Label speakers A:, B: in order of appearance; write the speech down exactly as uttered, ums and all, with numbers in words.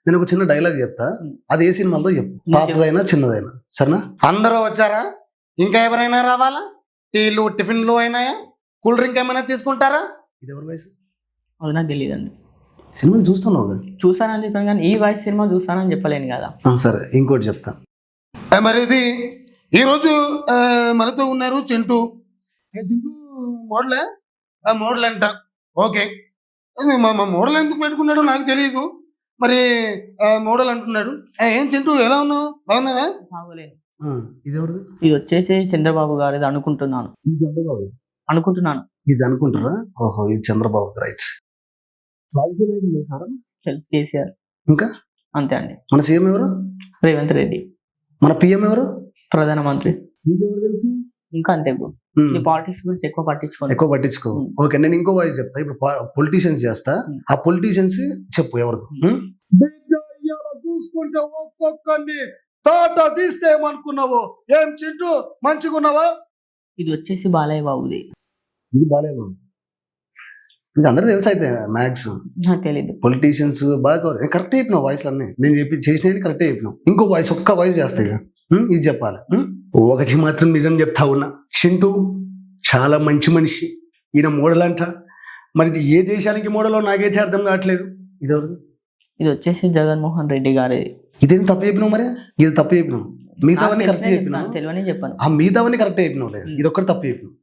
A: నేను ఒక చిన్న డైలాగ్ చెప్తా, అది ఏ సినిమాలో చెప్పు, పాతదైనా చిన్నదైనా, సరేనా? అందరూ వచ్చారా? ఇంకా ఎవరైనా రావాలా? టీలు టిఫిన్లు అయినాయా? కూల్ డ్రింక్ ఏమైనా తీసుకుంటారా? ఇది ఎవరి వయసు?
B: అది నాకు తెలియదండి.
A: సినిమాలు చూస్తున్నావు?
B: చూస్తానని చెప్పాను కానీ ఈ వాయిస్ సినిమా చూస్తానని చెప్పలేను కదా.
A: సరే, ఇంకోటి చెప్తా. మరి ఇది ఈరోజు మనతో ఉన్నారు చింటూ. చింటూ మోడలే? మోడల్ అంట. ఓకే, మా మోడల్ ఎందుకు పెట్టుకున్నాడో నాకు తెలియదు, మరి మోడల్ అంటున్నాడు. ఏం చింటూ, ఎలా ఉన్నావు? బాగున్నావా?
B: బాగోలేను.
A: ఇది ఎవరు?
B: ఇది వచ్చేసి చంద్రబాబు గారిది అనుకుంటున్నాను.
A: ఇది చంద్రబాబు
B: అనుకుంటున్నాను.
A: ఇది అనుకుంటారా? ఓహో, ఇది చంద్రబాబు. రైట్. రాజకీయ నాయకులు తెలుసారా?
B: తెలుసు, కేసీఆర్.
A: ఇంకా
B: అంతే అండి.
A: మన సీఎం ఎవరు?
B: రేవంత్ రెడ్డి.
A: మన పిఎం ఎవరు?
B: ప్రధానమంత్రి.
A: ఇంకెవరు తెలుసు?
B: ఇంకా అంతే బ్రో. ఈ పాలిటిక్స్ గురించి ఎక్కువ పట్టించుకో
A: ఎక్కువ పట్టించుకో ఓకే, నేను ఇంకో వాయిస్ చెప్తా. ఇప్పుడు పొలిటీషియన్స్ చేస్తా, ఆ పొలిటీషియన్స్ చెప్పు ఎవరు? చూసుకుంటే ఒక్కొక్కరిని తాట తీస్తే ఏమనుకున్నావు? ఏం చింటూ, మంచిగున్నావా?
B: ఇది వచ్చేసి బాలయ్య బాబుది.
A: ఇది బాలయ్య బాబు. ఇంకా అందరూ తెలుసు అయితే మ్యాథ్స్.
B: నాకు తెలియదు.
A: పొలిటీషియన్స్ బాగా కరెక్ట్ చెప్పినావు వాయిస్లు అన్నీ. నేను చెప్పి చేసినవి కరెక్టే చెప్పినావు. ఇంకో వాయిస్, ఒక్క వాయిస్ చేస్తా ఇక. ఇది చెప్పాలి. ఒకటి మాత్రం నిజం చెప్తా ఉన్నా, చింటూ చాలా మంచి మనిషి. ఈయన మోడల్ అంట. మరి ఏ దేశానికి మోడలో నాకైతే అర్థం కావట్లేదు. ఇది ఎవరు?
B: ఇది వచ్చేసి జగన్మోహన్ రెడ్డి గారిది.
A: ఇదేం తప్పు చెప్పినావు? మరి ఇది తప్పు చెప్పినావు. మిగతావన్నీ కరెక్ట్ చెప్పినావు.
B: తెలియని చెప్పాను.
A: ఆ మిగతావన్నీ కరెక్ట్ చెప్పినావు. లేదు, ఇది ఒక్కటి తప్పు చెప్పినావు.